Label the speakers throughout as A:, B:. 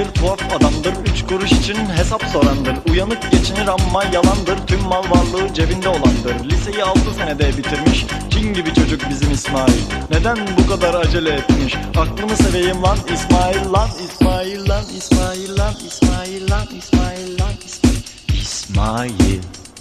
A: İsmail tuhaf adamdır, 3 kuruş için hesap sorandır. Uyanık geçinir ama yalandır, tüm mal varlığı cebinde olandır. Liseyi 6 senede bitirmiş, cin gibi çocuk bizim İsmail. Neden bu kadar acele etmiş? Aklını seveyim lan İsmail lan, İsmail lan, İsmail lan, İsmail lan, İsmail lan, İsmail.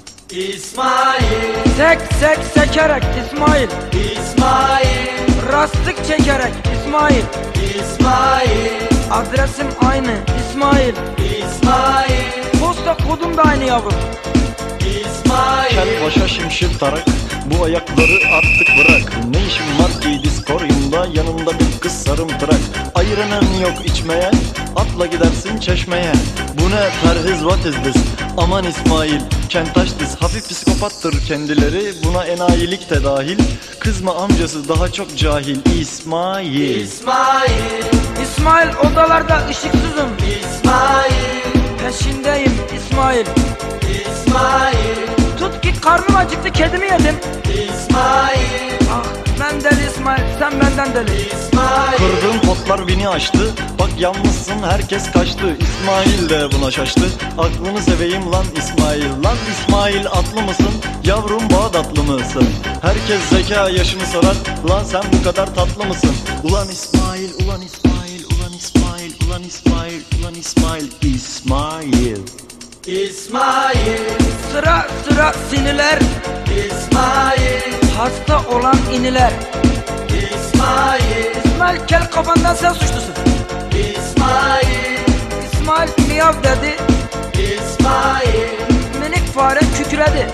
B: İsmail,
C: Sek sek sekerek İsmail,
B: İsmail,
C: rastlık çekerek İsmail,
B: İsmail,
C: adresim aynı İsmail,
B: İsmail,
C: posta kodum da aynı yavrum.
B: İsmail,
A: Kel başa şimşir tarak, bu ayakları artık bırak. Ne işin var ki diskoryumda, yanında bir kız sarımtırak. Ayıranın yok içmeye, atla gidersin çeşmeye. Bu ne perhiz, what is this? Aman İsmail, kentaş diz. Hafif psikopattır kendileri, buna enayilik de dahil. Kızma amcası daha çok cahil İsmail.
B: İsmail,
C: İsmail odalarda ışıksızım,
B: İsmail,
C: peşindeyim İsmail.
B: İsmail,
C: Tut ki karnım acıktı, kedimi yedim.
B: İsmail,
C: Ah ben deli İsmail, sen benden deli.
B: İsmail,
A: Kırdığım potlar beni aştı. Bak yalnızsın herkes kaçtı. İsmail de buna şaştı. Aklını seveyim lan İsmail. Lan İsmail atlı mısın? Yavrum Bağdatlı mısın? Herkes zeka yaşını sorar. Lan sen bu kadar tatlı mısın? Ulan İsmail, ulan İsmail, ulan İsmail, ulan İsmail, ulan İsmail, İsmail.
B: İsmail,
C: Sıra sıra siniler,
B: İsmail,
C: hasta olan iniler.
B: İsmail,
C: İsmail kel kafandan sen suçlusun.
B: İsmail,
C: İsmail miyav dedi,
B: İsmail,
C: minik fare kükredi.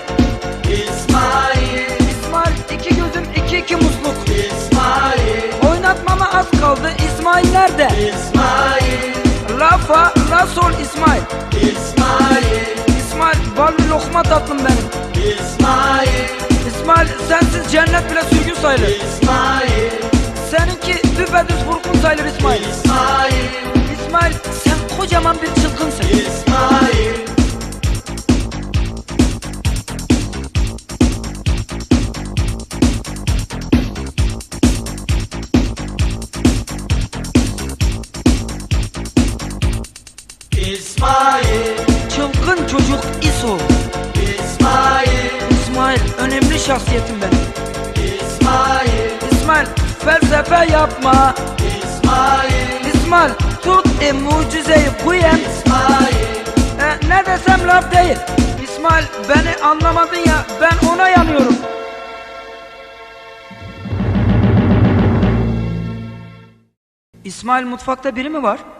B: İsmail,
C: İsmail iki gözüm iki musluk.
B: İsmail,
C: Oynatmama az kaldı, İsmail nerede?
B: İsmail,
C: La fa la sol İsmail.
B: İsmail,
C: İsmail bal lokma tatlım benim.
B: İsmail,
C: İsmail sensiz cennet bile sürgün sayılır.
B: İsmail,
C: Seninki düpedüz vurgun sayılır İsmail.
B: İsmail,
C: İsmail sen kocaman bir çılgınsın.
B: İsmail, İsmail,
C: Çılgın çocuk İso.
B: İsmail,
C: İsmail önemli şahsiyetim benim.
B: İsmail,
C: İsmail felsefe yapma.
B: İsmail,
C: İsmail tut mucizeyi kuyen.
B: İsmail,
C: Ne desem laf değil. İsmail beni anlamadın ya, ben ona yanıyorum. İsmail mutfakta biri mi var?